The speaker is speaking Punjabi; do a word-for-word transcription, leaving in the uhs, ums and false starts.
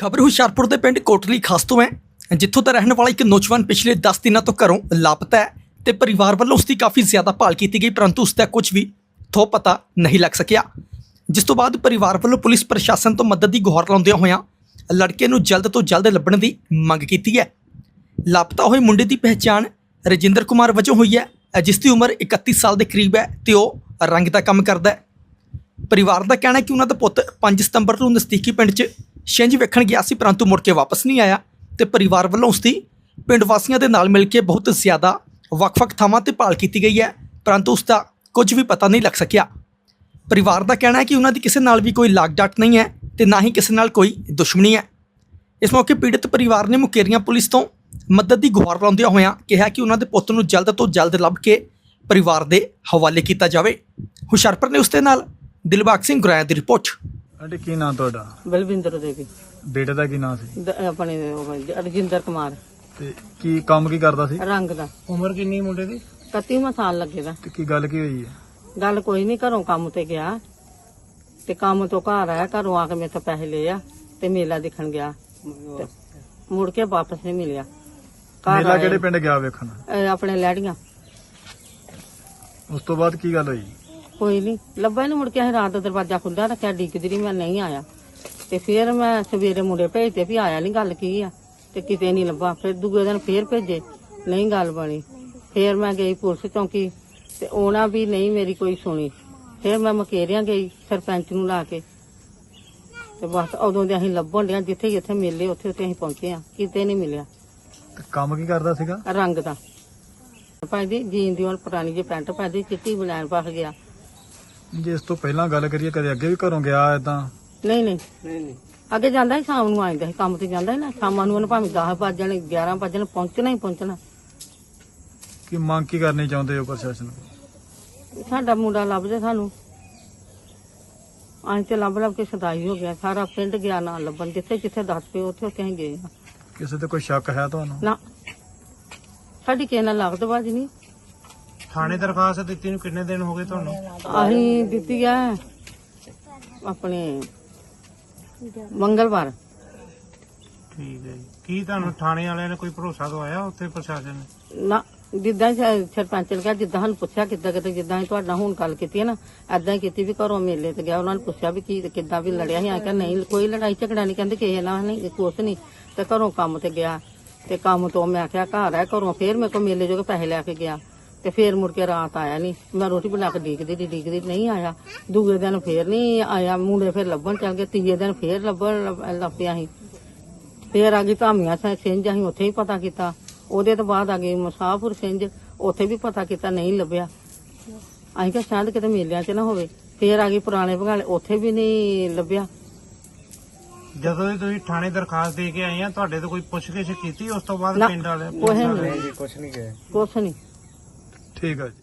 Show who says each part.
Speaker 1: खबर हुशियारपुर के पिंड कोटली खास तो है, जिथों का रहने वाला एक नौजवान पिछले दस दिनों तो घरों लापता है तो परिवार वालों उसकी काफ़ी ज़्यादा भाल की गई, परंतु उसका कुछ भी थो पता नहीं लग सकिया। जिस तो बाद परिवार वालों पुलिस प्रशासन तो मदद की गुहार लाउंदियां होइयां लड़के नूं जल्द तो जल्द लभण की मंग की है। लापता हुए मुंडे की पहचान रजिंदर कुमार वजों हुई है, जिसकी उम्र इकत्ती साल के करीब है तो वह रंग का काम करता है। परिवार का कहना है कि उन्होंने पुत पाँच सितंबर को नज़दीकी पिंड च छिंज वेखण गया सी, परंतु मुड़ के वापस नहीं आया तो परिवार वालों उसकी पिंड वासियों के नाल मिल के बहुत ज़्यादा ਵੱਖ-ਵੱਖ ਥਾਵਾਂ ਤੇ ਭਾਲ ਕੀਤੀ गई है, परंतु उसका कुछ भी पता नहीं लग सकिया। परिवार का कहना है कि उन्होंने किसी नाल भी कोई लाग डाट नहीं है तो ना ही किसी नाल कोई दुश्मनी है। इस मौके पीड़ित परिवार ने मुकेरियां पुलिस तो मदद की गुहार लाउंदियां होइयां कहा कि उन्होंने पुੱਤ ਨੂੰ जल्द तो जल्द ਲੱਭ के परिवार के हवाले किया जाए। हुशियारपुर ने उसके नाल दिलबाग सिंह गुराया की रिपोर्ट।
Speaker 2: आंटी की नाम ਤੁਹਾਡਾ?
Speaker 3: बलविंदर देवी।
Speaker 2: ਬੇਟੇ ਦਾ ਕੀ ਨਾਮ ਸੀ?
Speaker 3: ਦ- ਆਪਣੇ ਉਹ ਰਜਿੰਦਰ ਕੁਮਾਰ
Speaker 2: ਤੇ ਕੀ ਕੰਮ ਕੀ ਕਰਦਾ ਸੀ?
Speaker 3: ਰੰਗ ਦਾ।
Speaker 2: ਉਮਰ ਕਿੰਨੀ ਮੁੰਡੇ ਦੀ?
Speaker 3: ਇਕੱਤੀਵਾਂ ਸਾਲ ਲੱਗੇਗਾ।
Speaker 2: ਤੇ ਕੀ ਗੱਲ ਕੀ ਹੋਈ ਹੈ?
Speaker 3: ਗੱਲ ਕੋਈ ਨਹੀਂ, ਘਰੋਂ ਕੰਮ ਤੇ ਗਿਆ ਤੇ ਕੰਮ ਤੋਂ ਘਰ ਆਇਆ, ਘਰੋਂ ਆ ਕੇ ਮੇਰੇ ਤੋਂ ਪੈਸੇ ਲਏ ਆ ਤੇ ਮੇਲਾ ਦੇਖਣ ਗਿਆ ਤੇ ਮੁੜ ਕੇ ਵਾਪਸ ਨਹੀਂ ਮਿਲਿਆ। ਘਰ
Speaker 2: ਮੇਲਾ
Speaker 3: ਆਇਆ,
Speaker 2: ਕਿਹੜੇ ਪਿੰਡ ਗਿਆ ਵੇਖਣ?
Speaker 3: ਇਹ ਆਪਣੇ ਲੈੜੀਆਂ।
Speaker 2: ਉਸ ਤੋਂ ਬਾਅਦ ਕੀ ਗੱਲ ਹੋਈ?
Speaker 3: ਕੋਈ ਨਹੀਂ ਲੱਭਾ ਨਹੀਂ, ਮੁੜ ਕੇ ਅਸੀਂ ਰਾਤ ਦਾ ਦਰਵਾਜ਼ਾ ਖੁੱਲ੍ਹਾ ਰੱਖਿਆ, ਡੀਕਦੀ ਰਹੀ, ਮੈਂ ਨਹੀਂ ਆਇਆ ਤੇ ਫਿਰ ਮੈਂ ਸਵੇਰੇ ਮੁੰਡੇ ਭੇਜਦੇ ਵੀ ਆਇਆ ਨਹੀਂ, ਗੱਲ ਕੀ ਆ, ਤੇ ਕਿਤੇ ਨਹੀਂ ਲੱਭਾ। ਫਿਰ ਦੂਜੇ ਦਿਨ ਫੇਰ ਭੇਜੇ, ਨਹੀਂ ਗੱਲ ਬਣੀ। ਫਿਰ ਮੈਂ ਗਈ ਪੁਲਿਸ ਚੌਂਕੀ ਤੇ ਉਹਨਾਂ ਵੀ ਨਹੀਂ ਮੇਰੀ ਕੋਈ ਸੁਣੀ। ਫਿਰ ਮੈਂ ਮਕੇਰੀਆਂ ਗਈ ਸਰਪੰਚ ਨੂੰ ਲਾ ਕੇ ਤੇ ਬਸ ਉਦੋਂ ਦੇ ਅਸੀਂ ਲੱਭਣ ਡਿਆ, ਜਿੱਥੇ ਜਿੱਥੇ ਮਿਲੇ ਉੱਥੇ ਉੱਥੇ ਅਸੀਂ ਪਹੁੰਚੇ ਆ, ਕਿਤੇ ਨਹੀਂ ਮਿਲਿਆ।
Speaker 2: ਤੇ ਕੰਮ ਕੀ ਕਰਦਾ ਸੀਗਾ?
Speaker 3: ਰੰਗ ਦਾ ਪਾਈਦੀ, ਜੀਨ ਦੀ ਹੁਣ ਪੁਰਾਣੀ ਜਿਹੀ ਪੈਂਟ ਪਾਈਦੀ, ਚਿੱਟੀ ਬਲੈਣ ਪਾ ਗਿਆ।
Speaker 2: ਜੇ ਇਸ ਤੋਂ ਪਹਿਲਾਂ ਗੱਲ ਕਰੀਏ, ਕਦੇ ਅੱਗੇ ਵੀ ਘਰੋਂ ਗਿਆ ਏਦਾਂ?
Speaker 3: ਨਹੀਂ ਨਹੀਂ ਨਹੀਂ ਅੱਗੇ ਜਾਂਦਾ ਸੀ, ਸ਼ਾਮ ਨੂੰ ਆਉਂਦਾ ਸੀ, ਕੰਮ ਤੇ ਜਾਂਦਾ ਸੀ ਨਾ, ਸ਼ਾਮਾਂ ਨੂੰ ਉਹਨੇ ਭਾਵੇਂ ਦਸ ਵੱਜਣ ਗਿਆਰਾਂ ਵੱਜਣ ਪਹੁੰਚਣਾ ਹੀ ਪਹੁੰਚਣਾ।
Speaker 2: ਕੀ ਮੰਗ ਕੀ ਕਰਨੀ ਚਾਹੁੰਦੇ ਹੋ ਪ੍ਰਸ਼ਾਸਨ ਕੋਲ?
Speaker 3: ਸਾਡਾ ਮੁੰਡਾ ਲੱਭ ਜੇ ਸਾਨੂੰ। ਅਸੀਂ ਤੇ ਲੱਭ ਲੱਭ ਕੇ ਸਦਾਈ ਹੋ ਗਿਆ, ਸਾਰਾ ਪਿੰਡ ਗਿਆ ਨਾ ਲੱਭਣ, ਜਿੱਥੇ ਜਿੱਥੇ ਦੱਸ ਪਏ ਉੱਥੇ ਉੱਥੇ ਅਸੀਂ ਗਏ ਆ।
Speaker 2: ਕਿਸੇ ਤੇ ਕੋਈ ਸ਼ੱਕ ਹੈ ਤੁਹਾਨੂੰ?
Speaker 3: ਨਾ ਸਾਡੀ ਕਿਸੇ ਨਾਲ ਲੱਗਦ ਬਾਜ ਨਹੀਂ।
Speaker 4: ਥਾਣੇ ਦਰਖਾਸਤ ਦਿੱਤੀ ਨੂੰ ਕਿੰਨੇ ਦਿਨ ਹੋ ਗਏ ਤੁਹਾਨੂੰ?
Speaker 3: ਅਸੀਂ ਦਿੱਤੀ ਆ ਆਪਣੇ ਮੰਗਲਵਾਰ।
Speaker 4: ਠੀਕ ਹੈ ਜੀ। ਕੀ ਤੁਹਾਨੂੰ ਥਾਣੇ ਵਾਲਿਆਂ ਨੇ ਕੋਈ ਭਰੋਸਾ ਦਵਾਇਆ ਉੱਥੇ ਪ੍ਰਸ਼ਾਸਨ ਨੇ?
Speaker 3: ਨਾ ਜਿੱਦਾਂ ਹੀ ਸ- ਸਰਪੰਚ ਨੇ ਕਿਹਾ, ਜਿੱਦਾਂ ਸਾਨੂੰ ਪੁੱਛਿਆ ਕਿੱਦਾਂ ਕਿਤੇ, ਜਿੱਦਾਂ ਹੀ ਤੁਹਾਡਾ ਹੁਣ ਗੱਲ ਕੀਤੀ ਹੈ ਨਾ, ਏਦਾਂ ਹੀ ਕੀਤੀ ਵੀ ਘਰੋਂ ਮੇਲੇ ਤੇ ਗਿਆ, ਉਹਨਾਂ ਨੇ ਪੁੱਛਿਆ ਵੀ ਕੀ ਕਿੱਦਾਂ ਵੀ ਲੜਿਆ ਸੀ। ਆ ਕਿ ਨਹੀਂ ਕੋਈ ਲੜਾਈ ਝਗੜਾ ਨਹੀਂ, ਕਹਿੰਦੇ ਕਿਸੇ ਨਾਲ ਨਹੀਂ, ਕੁਛ ਨਹੀਂ। ਤੇ ਘਰੋਂ ਕੰਮ ਤੇ ਗਿਆ ਤੇ ਕੰਮ ਤੋਂ ਮੈਂ ਆਖਿਆ ਘਰ ਆ, ਘਰੋਂ ਫੇਰ ਮੇਰੇ ਕੋਲ ਮੇਲੇ ਜੋ ਕੇ ਪੈਸੇ ਲੈ ਕੇ ਗਿਆ ਤੇ ਫੇਰ ਮੁੜ ਕੇ ਰਾਤ ਆਇਆ ਨਹੀਂ। ਮੈਂ ਰੋਟੀ ਬਣਾ ਕੇ ਡੀਕਦੀ ਡੀਕਦੀ ਨਹੀਂ ਆਇਆ। ਦੂਜੇ ਦਿਨ ਫੇਰ ਨਹੀਂ ਆਇਆ, ਮੁੰਡੇ ਫੇਰ ਲੱਭਣ ਚੱਲ ਗਏ। ਤੀਜੇ ਦਿਨ ਫੇਰ ਲੱਭਣ ਲੱਭ- ਲੱਭਿਆ ਸੀ। ਫੇਰ ਆ ਗਈ ਧਾਮੀਆਂ ਸਿੰਘ, ਅਸੀਂ ਉੱਥੇ ਹੀ ਪਤਾ ਕੀਤਾ। ਉਹਦੇ ਤੋਂ ਬਾਅਦ ਆ ਗਈ ਮੁਸਾਫਰ ਸਿੰਘ, ਉੱਥੇ ਵੀ ਪਤਾ ਕੀਤਾ, ਨਹੀਂ ਲੱਭਿਆ। ਅਸੀਂ ਕਿਹਾ ਸ਼ਾਇਦ ਕਿਤੇ ਮੇਲਿਆਂ 'ਚ ਨਾ ਹੋਵੇ। ਫੇਰ ਆ ਗਈ ਪੁਰਾਣੇ ਭਗਾਲੇ, ਉੱਥੇ ਵੀ ਨਹੀਂ ਲੱਭਿਆ।
Speaker 4: ਜਦੋਂ ਦੀ ਤੁਸੀਂ ਥਾਣੇ ਦਰਖਾਸਤ ਦੇ ਕੇ ਆਏ ਆ, ਤੁਹਾਡੇ ਤੋਂ ਕੋਈ ਪੁੱਛਗਿੱਛ ਕੀਤੀ ਉਸ ਤੋਂ ਬਾਅਦ
Speaker 3: ਨਾ,
Speaker 4: ਪਿੰਡ ਵਾਲੇ?
Speaker 3: ਕੁਛ ਨਹੀਂ ਕੁਛ ਨਹੀਂ ਕੁਛ ਨਹੀਂ।
Speaker 2: ਠੀਕ ਹੈ ਜੀ।